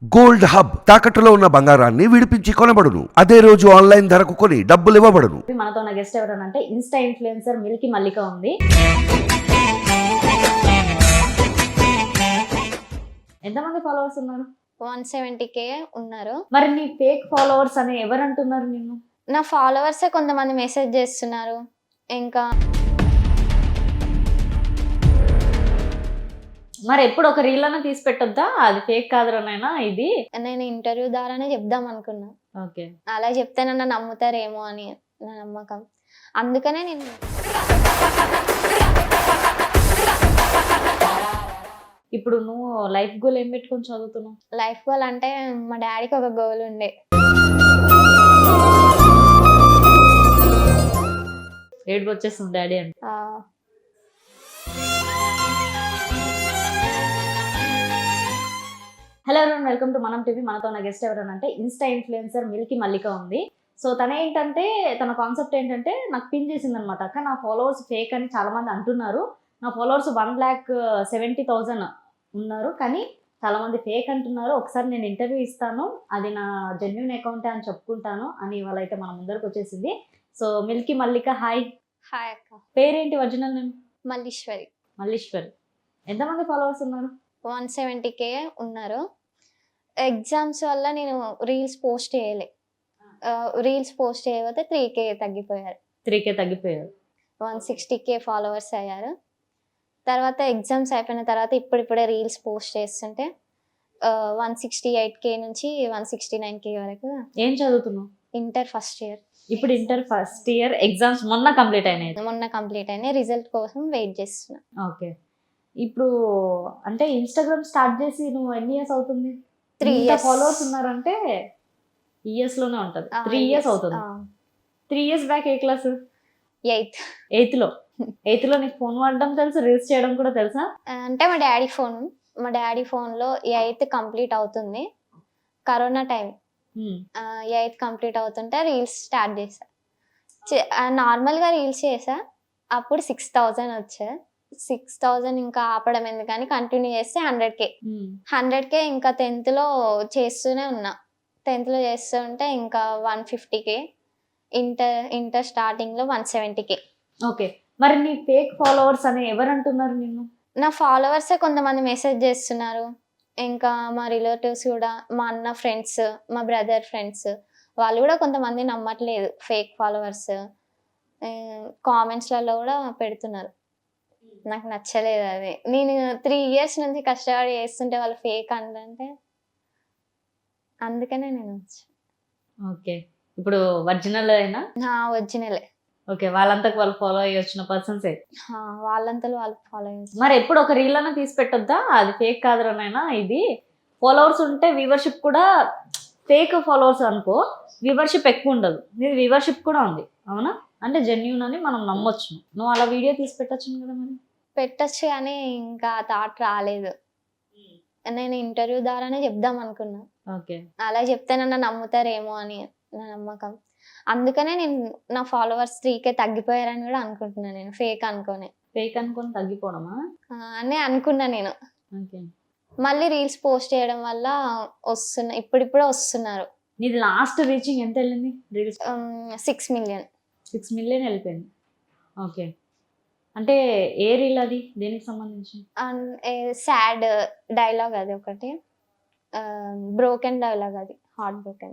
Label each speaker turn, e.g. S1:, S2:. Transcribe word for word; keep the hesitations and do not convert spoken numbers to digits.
S1: Gold hub తాకట్టులో ఉన్న బంగారాన్ని విడిపించి కొనబడును. అదే రోజు ఆన్లైన్ ధరకు కొని డబ్బులు ఇవ్వబడును.
S2: మనతో ఉన్న గెస్ట్ ఎవరనంటే ఇన్స్టా ఇన్ఫ్లుయెన్సర్ మిల్కీ మల్లిక ఉంది. ఎంతమంది ఫాలోవర్స్ ఉన్నారు?
S3: వన్ సెవెంటీ కే ఉన్నారు.
S2: మరి నీ ఫేక్ ఫాలోవర్స్ అని ఎవరు అంటున్నారు నిన్ను?
S3: నా ఫాలోవర్సే కొంతమంది మెసేజ్ చేస్తున్నారు. ఇంకా
S2: మరి ఎప్పుడు ఒక రీల్ అన్న తీసి పెట్టొద్దా? అది ఫేక్ కాదురానైనా ఇది.
S3: నేను ఇంటర్వ్యూ ద్వారానే చెప్దాం అనుకున్నా.
S2: ఓకే,
S3: అలా చెప్తే నన్ను నమ్ముతారేమో అని నా నమ్మకం. అందుకనే నేను
S2: ఇప్పుడు నువ్వు లైఫ్ గోల్ ఏం పెట్టుకొని చదువుతున్నావు?
S3: లైఫ్ గోల్ అంటే మా డాడీకి ఒక గోల్ ఉండే.
S2: ఏడుపు వచ్చేస్తుంది డాడీ అంటే.
S3: ఆ,
S2: హలో ఎవరైనా, వెల్కమ్ టు మనం టీవీ. మనతో ఉన్న గెస్ట్ ఎవరనంటే ఇన్స్టా ఇన్ఫ్లుయెన్సర్ మిల్కీ మల్లిక ఉంది. సో తన ఏంటంటే తన కాన్సెప్ట్ ఏంటంటే నాకు పిన్ చేసింది అనమాట. అక్క నా ఫాలోవర్స్ ఫేక్ అని చాలా మంది అంటున్నారు. నా followers one lakh seventy thousand ఉన్నారు, కానీ చాలా మంది ఫేక్ అంటున్నారు. ఒకసారి నేను ఇంటర్వ్యూ ఇస్తాను, అది నా జెన్యున్ అకౌంటే అని చెప్పుకుంటాను అని వాళ్ళైతే మన ముందరకు వచ్చేసింది. So Milky Mallika, hi.
S3: Hi అక్క.
S2: పేరేంటి ఒరిజినల్ నేమ్?
S3: మల్లీశ్వరి.
S2: మల్లీశ్వరి. ఎంతమంది ఫాలోవర్స్ ఉన్నారు?
S3: వన్ సెవెంటీ కే ఉన్నారు. ఎగ్జామ్స్ వల్ల నేను రీల్స్ పోస్ట్ చేయలే. రీల్స్ పోస్ట్ చేయకపోతే త్రీ కే తగ్గిపోయారు.
S2: త్రీ కే తగ్గిపోయారు.
S3: వన్ సిక్స్టీ కే ఫాలోవర్స్ అయ్యారు. తర్వాత ఎగ్జామ్స్ అయిపోయిన తర్వాత ఇప్పుడిప్పుడే రీల్స్ పోస్ట్ చేస్తుంటే వన్ సిక్స్టీ ఎయిట్ కే నుంచి వన్ సిక్స్టీ నైన్ కే వరకు.
S2: ఏం చదువుతున్నావు?
S3: Inter first year.
S2: ఇప్పుడు ఇంటర్ ఫస్ట్ ఇయర్ ఎగ్జామ్స్ మొన్న కంప్లీట్ అయినాయి.
S3: మొన్న కంప్లీట్ అయినాయి. రిజల్ట్ కోసం వెయిట్ చేస్తున్నా.
S2: ఓకే, ఇప్పుడు అంటే ఇన్స్టాగ్రామ్ స్టార్ట్ చేసి నువ్వు ఎన్ని ఇయర్స్ అవుతుంది?
S3: త్రీ ఇయర్స్
S2: ఫాలోవర్స్ ఉన్నారంటే ఇయర్స్ లోనే ఉంటది. త్రీ ఇయర్స్ అవుతుంది. త్రీ ఇయర్స్ బ్యాక్ ఏ క్లాస్?
S3: ఎయిత్.
S2: ఎయిత్ లో ఎయిత్ లో నీకు ఫోన్ వాడడం తెలుసు, రీల్స్ చేయడం కూడా తెలుసా?
S3: అంటే మా డాడీ ఫోన్ మా డాడీ ఫోన్లో ఎయిత్ కంప్లీట్ అవుతుంది. Corona time. ఎయిత్ కంప్లీట్ అవుతుంటే రీల్స్ స్టార్ట్ చేసా. నార్మల్గా రీల్స్ చేసా. అప్పుడు సిక్స్ థౌజండ్ వచ్చా. సిక్స్ థౌజండ్ ఇంకా ఆపడం ఎందుకని కంటిన్యూ చేస్తే హండ్రెడ్ కే హండ్రెడ్ కే ఇంకా టెన్త్లో చేస్తూనే ఉన్నా. టెన్త్లో చేస్తూ ఉంటే ఇంకా one fifty K inter inter స్టార్టింగ్లో వన్ సెవెంటీ కే.
S2: ఓకే, మరి నీ ఫేక్ ఫాలోవర్స్ అని ఎవరు అంటున్నారు నిన్ను?
S3: నా ఫాలోవర్సే కొంతమంది మెసేజ్ చేస్తున్నారు. ఇంకా మా రిలేటివ్స్ కూడా, మా అన్న ఫ్రెండ్స్, మా బ్రదర్ ఫ్రెండ్స్, వాళ్ళు కూడా కొంతమంది నమ్మట్లేదు ఫేక్ ఫాలోవర్స్. కామెంట్స్లలో కూడా పెడుతున్నారు. నాకు నచ్చలేదు అది. నేను త్రీ ఇయర్స్ నుంచి కష్టపడి చేస్తుంటే వాళ్ళు ఫేక్ అంటే అందుకనే నేను.
S2: ఓకే, ఇప్పుడు ఒరిజినల్ అయినా?
S3: నా ఒరిజినలే.
S2: ఓకే, వాళ్ళంతకు వాళ్ళు ఫాలో అయ్యి వచ్చిన పర్సన్సే.
S3: వాళ్ళంతలో వాళ్ళు ఫాలో అయ్యారు.
S2: మరి ఎప్పుడు ఒక రీల్ అన్న తీసి పెట్టొద్దా? అది ఫేక్ కాదురానైనా ఇది. ఫాలోవర్స్ ఉంటే వ్యూవర్షిప్ కూడా, ఫేక్ ఫాలోవర్స్ అనుకో వ్యూవర్షిప్ ఎక్కువ ఉండదు. నీది వ్యూవర్షిప్ కూడా ఉంది, అవునా? అంటే జెన్యూన్ అని మనం నమ్మొచ్చు. నువ్వు అలా వీడియో తీసి పెట్టచ్చు కదా. మరి
S3: పెట్టచ్చు, కానీ ఇంకా థాట్ రాలేదు. నేను ఇంటర్వ్యూ ద్వారానే చెప్దాం అనుకున్నా.
S2: ఓకే,
S3: అలా చెప్తే నన్ను నమ్ముతారేమో అని నా నమ్మకం. అందుకనే నేను నా ఫాలోవర్స్ త్రీ కే తగ్గిపోయారని కూడా అనుకుంటున్నాను. నేను ఫేక్ అనుకోని
S2: ఫేక్ అనుకొని తగ్గిపోవడమా
S3: అని అనుకున్నా నేను.
S2: ఓకే,
S3: మళ్ళీ రీల్స్ పోస్ట్ చేయడం వల్ల వస్తున్నా, ఇప్పుడిప్పుడే వస్తున్నారు.
S2: నీది లాస్ట్ రీచింగ్ ఎంత వెళ్ళింది reels?
S3: Six million
S2: six million వెళ్ళిపోయింది. ఓకే, అంటే ఏ రీల్ అది? దేనికి సంబంధించి?
S3: సాడ్ డైలాగ్ అది ఒకటి, బ్రోకెన్ డైలాగ్ అది, హార్ట్ బ్రోకెన్.